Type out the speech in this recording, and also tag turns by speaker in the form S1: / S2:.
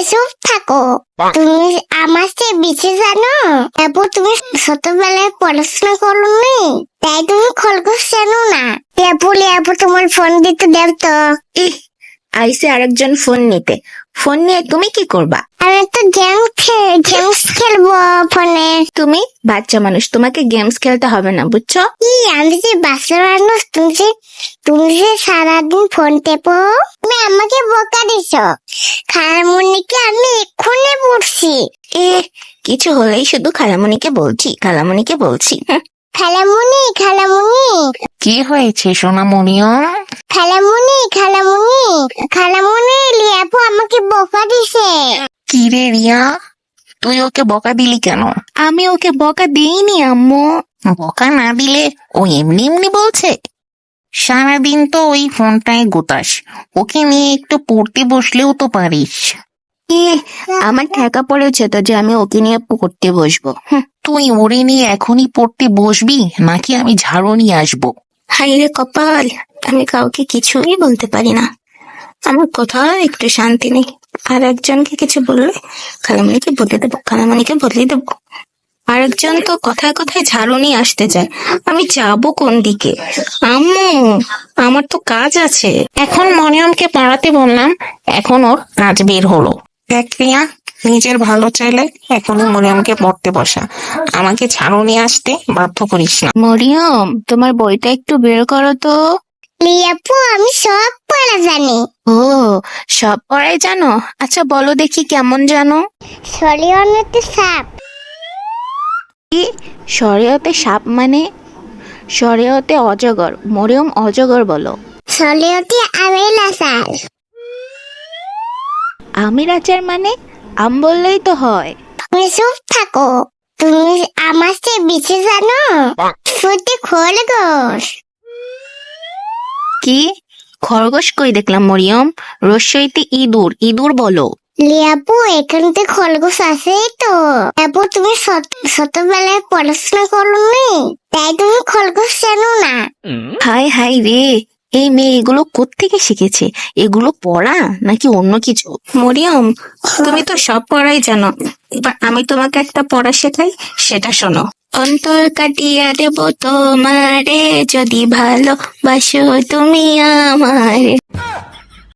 S1: চুপ থাকো। তুমি আমার চেয়ে বেশি জানো। তারপর তুমি ছোটবেলায় পড়াশোনা করো নি, তাই তুমি খরগোশ জানো না। লেবু তোমার ফোন দিতে দেব তো।
S2: ইহ, আইসে আরেকজন ফোন নিতে। ফোন নিয়ে তুমি কি করবা?
S1: আমি তো গেমস খেলবো ফোনে।
S2: তুমি বাচ্চা মানুষ, তোমাকে গেমস খেলতে হবে না, বুঝছো?
S1: আমি যে বাচ্চা মানুষ, তুমি যে সারাদিন ফোন টেপো। তুমি আমাকে বোকা দিছো। খালামুনিকে আমি এক্ষুনি পড়ছি।
S2: কিছু হলেই শুধু খালামণিকে বলছি।
S1: খালামুনি
S3: কি হয়েছে সোনামণিও?
S1: খালামুনি লিয়াপু আমাকে বোকা দিছে।
S3: কি রে রিয়া, তুই ওকে বকা দিলি কেন?
S2: আমি ওকে বকা দিইনি আম্মু।
S3: বকা না দিলে ও এমনি এমনি বলছে? সারাদিন তো ওই ফোনটায় গোতাস, ওকে নিয়ে একটু পড়তে বসলেও তো পারিস।
S2: আমার ঠেকা পড়েছে তো যে আমি ওকে নিয়ে পড়তে বসবো।
S3: তুই ওরে নিয়ে এখনই পড়তে বসবি নাকি আমি ঝাড়ু নিয়ে আসবো?
S2: হাই রে কপাল, আমি কাউকে কিছুই বলতে পারি না। আমার কোথাও একটু শান্তি নেই। আর একজনকে কিছু বললে খালামণিকে বদলে দেবো। আরেকজন তো কথায় কথায় ঝাড়ু নিয়ে আসতে চায়। আমি যাবো কোন দিকে? আম্মু, আমার তো কাজ আছে।
S3: এখন মনিয়মকে পড়াতে বললাম, এখন ওর কাজ বের হলো। দেখ রিয়া, নিজের ভালো চাইলে এখনই মরিয়মকে পড়তে বসা, আমাকে ঝাড়ু নিয়ে আসতে বাধ্য করিস না।
S2: মরিয়ম, তোমার বইটা একটু বের করো তো।
S1: লিয়াপু আমি সব পড়া জানি।
S2: ও, সব পড়াই জানো? আচ্ছা বলো দেখি কেমন জানো?
S1: শরীয়তে সাপ।
S2: কি? শরীয়তে সাপ মানে? শরীয়তে অজগর। মরিয়ম অজগর বলো।
S1: শরীয়তে আমের আচার।
S2: আমের আচার মানে? আম বললেই তো হয়।
S1: তুমি চুপ থাকো। তুমি আমার চেয়ে বেশি জানো। সত্যি খরগোশ।
S2: কি? খরগোশ কই দেখলাম মরিয়ম? রস্যইতে ইঁদুর বলো।
S1: লিয়াপু এখানে তো খরগোশ আছেই তো। তারপর তুমি ছোটবেলায় পড়াশোনা করো নি, তাই তুমি খরগোশ জানো না।
S2: হাই হাই রে, এই মেয়ে এগুলো কোত্থেকে শিখেছে? এগুলো পড়া নাকি অন্য কিছু? মরিয়ম, তুমি তো সব পড়াই জানো। এবার আমি তোমাকে একটা পড়া শেখাই, সেটা শোনো। অন্তর কাটিয়া দেব তোমারে, যদি ভালোবাসো তুমি আমারে।